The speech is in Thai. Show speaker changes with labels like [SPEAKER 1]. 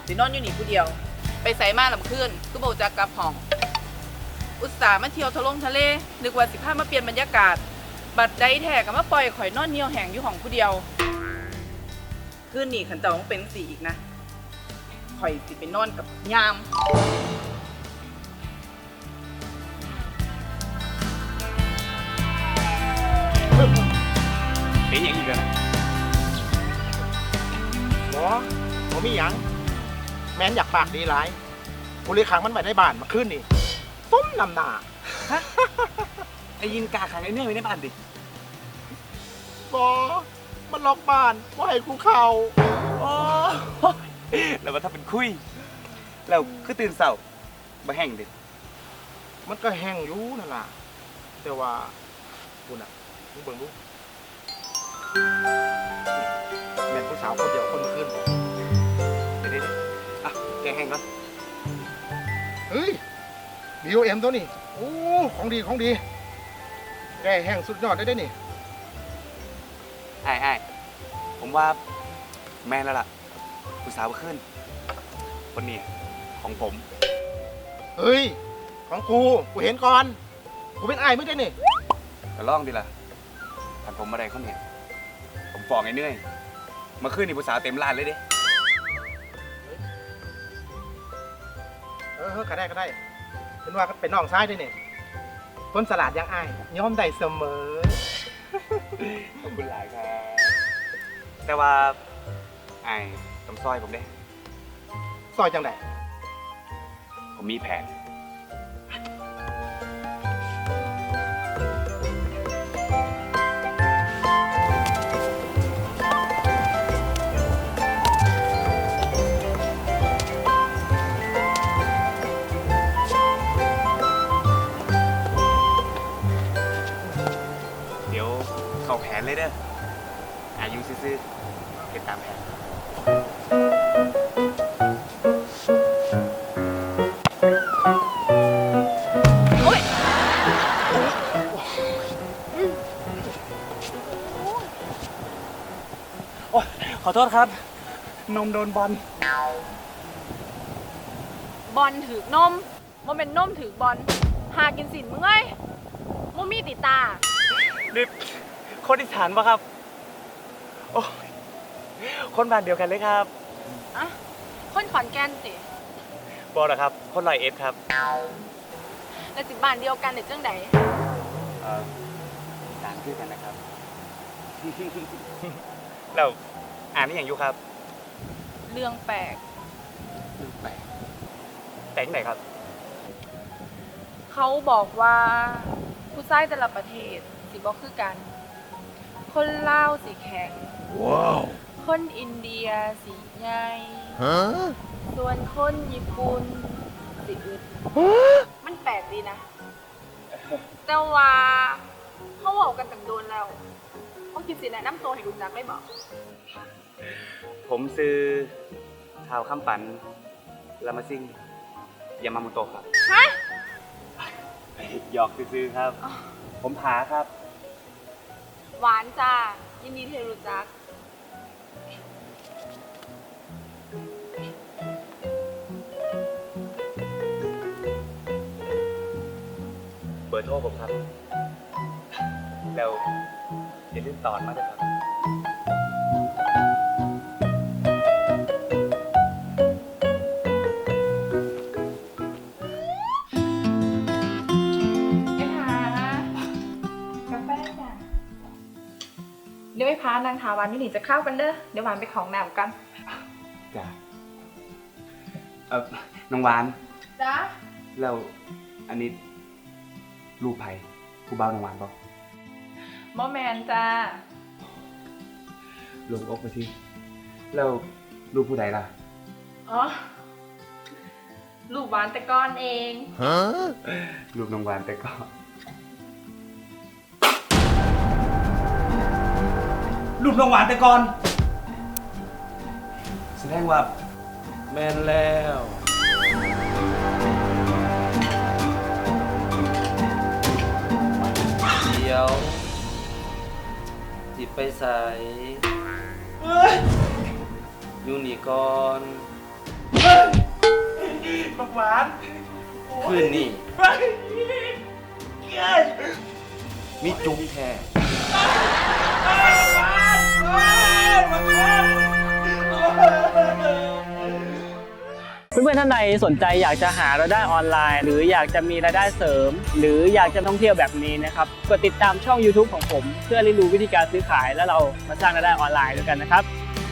[SPEAKER 1] สินอนอยู่นี่ผู้เดียวไปใส่มาลำคืนก็บอกจากกลับห้องอุตส่าห์มาเที่ยวทะลงทะเลนึกว่าสิพามาเปลี่ยนบรรยากาศบัดใดแท้ก็มาปล่อยข่อยนอนเหี่ยวแห้งอยู่ห้องผู้เดียวคืนนี้ขันเจ้าต้องเป็นสีอีกนะข่อยสิไปนอนกับยาม
[SPEAKER 2] เป็นอย่างอีกแล้วนะ
[SPEAKER 3] ผมมีหยังแม่นอยากปากดีหลายกูเลยขังมันไว้ในบ้านมาขึ้นนี่ต้มนำหนา
[SPEAKER 2] ไอ้ยินกาขังไอ้เนื่อยไว้ในบ้านดิ
[SPEAKER 3] บอมันล็อกบ้านว่าให้กูเข้า
[SPEAKER 2] โอ้แล้วว่าถ้าเป็นคุยแล้วก็ตื่นเศร้ามาแห้งดิ
[SPEAKER 3] มันก็แห้งอยู่นั่นล่ะแต่ว่าคุณอ่ะมึงเบิ่งดูแม่นผู้สาวคนเดียวคนมาขึ้น
[SPEAKER 2] เดี๋ยวอ่ะแกแห้งก่อน
[SPEAKER 3] เฮ้ย BOM ตัวนี้โอ้ของดีของดีแร่แห้งสุดยอดได้นี่
[SPEAKER 2] ไอ้ผมว่าแม่นแล้วล่ะผู้สาวขึ้นคนนี้ของผม
[SPEAKER 3] เฮ้ยของกูเห็นก่อนกูเป็นไอ้ายมึงได้นี่
[SPEAKER 2] ก็ลองดิล่ะถ้าผมอะไรเขาเนี่ยผมฟ้องไอ้เนื่อยมาขึ้นนี่ผู้สาวเต็มร้านเลยดิ
[SPEAKER 3] ก็ได้เป็นว่าเป็นน้องชายด้วยนี่คนสลัดยังอ้ายยอมได้เสมอ
[SPEAKER 2] ขอบคุณหลายครับแต่ว่าไอ้ต้องซอยผมเด้
[SPEAKER 3] ซอยจังได
[SPEAKER 2] ผมมีแผนเดี๋ยวเข้าแผนเลยเด้ออายุซื่อๆเป็นตามแผนขอโทษครับ นมโดนบอล
[SPEAKER 1] บอลถือนมโมเมนนมถือบอลหากินสินมึงเอ้ยโมมีติตา
[SPEAKER 2] นี่คนอีสานปะครับ โอ้ยคนบ้านเดียวกันเลยครับ
[SPEAKER 1] อะคนขอนแก่นสิ
[SPEAKER 2] บอลเหรอครับ คนร้อยเอ็ดครับ
[SPEAKER 1] แล้วสิบ้านเดียวกันเด็ดจังใด
[SPEAKER 2] ต่างชื่อกันนะครับ แล้วอ่านนี่อย่างอยู่ครับ
[SPEAKER 1] เรื่องแปลก
[SPEAKER 2] แปลกแต่ที่ไหนครับ
[SPEAKER 1] เขาบอกว่าผู้ชายแต่ละประเทศสิบ่คือกัน คนลาวสีแข็ง
[SPEAKER 3] ว้าว
[SPEAKER 1] คนอินเดียสีใหญ่ส่วนคนญี่ปุ่นสีอึดมันแปลกดีนะ แต่ว่าเขาบอกกันตั้งโดนแล้วเขาคิดสิแนะนำตัวให้รู้จักได้บอก
[SPEAKER 2] ผมซื้อข่าวข้ามปันลามาซิงยามาโมโตะครับ
[SPEAKER 1] ฮะ
[SPEAKER 2] หยอกซื้อๆครับ ผมผาครับ
[SPEAKER 1] หวานจ้า ยินดีที่ได้รู้จัก
[SPEAKER 2] เบอร์โทรผมครับ แล้วอย่าลืมตอนมาด้วยครับ
[SPEAKER 1] ไอ้พากาแฟจ้ะเดี๋ยวไอ้พานางถาวันนี่หนีจะเข้ากันเด้อ เดี๋ยวหวานไปของน้ำกัน
[SPEAKER 2] จ้ะน้องหวาน
[SPEAKER 1] จ้า
[SPEAKER 2] แล้วอันนี้ลูกไผ่ผู้บ่าวน้องหวานป่ะ
[SPEAKER 1] หมอแมนจ้า
[SPEAKER 2] ลงอกไปทีแล้วลูกผู้ใดล่ะ
[SPEAKER 1] อ๋อ ลูกหวานแต่ก้อนเอง
[SPEAKER 2] ลูกน้องหวานแต่ก็ ลูกน้องหวานแต่ก่อน แสดงว่าแม่นแล้ว
[SPEAKER 4] เดี๋ยวสิไปใส่อยู่นี่ก่อน
[SPEAKER 2] เฮ้หวาน
[SPEAKER 4] คืนนี่
[SPEAKER 2] ไปเย้ย
[SPEAKER 4] มีจุ๊บแท้
[SPEAKER 5] เพื่อนๆท่านใดสนใจอยากจะหารายได้ออนไลน์ หรืออยากจะมีรายได้เสริม หรืออยากจะท่องเที่ยวแบบนี้นะครับกดติดตามช่อง YouTube ของผม เพื่อเรียนรู้วิธีการซื้อขายและเรามาสร้างรายได้ออนไลน์ด้วยกันนะครับ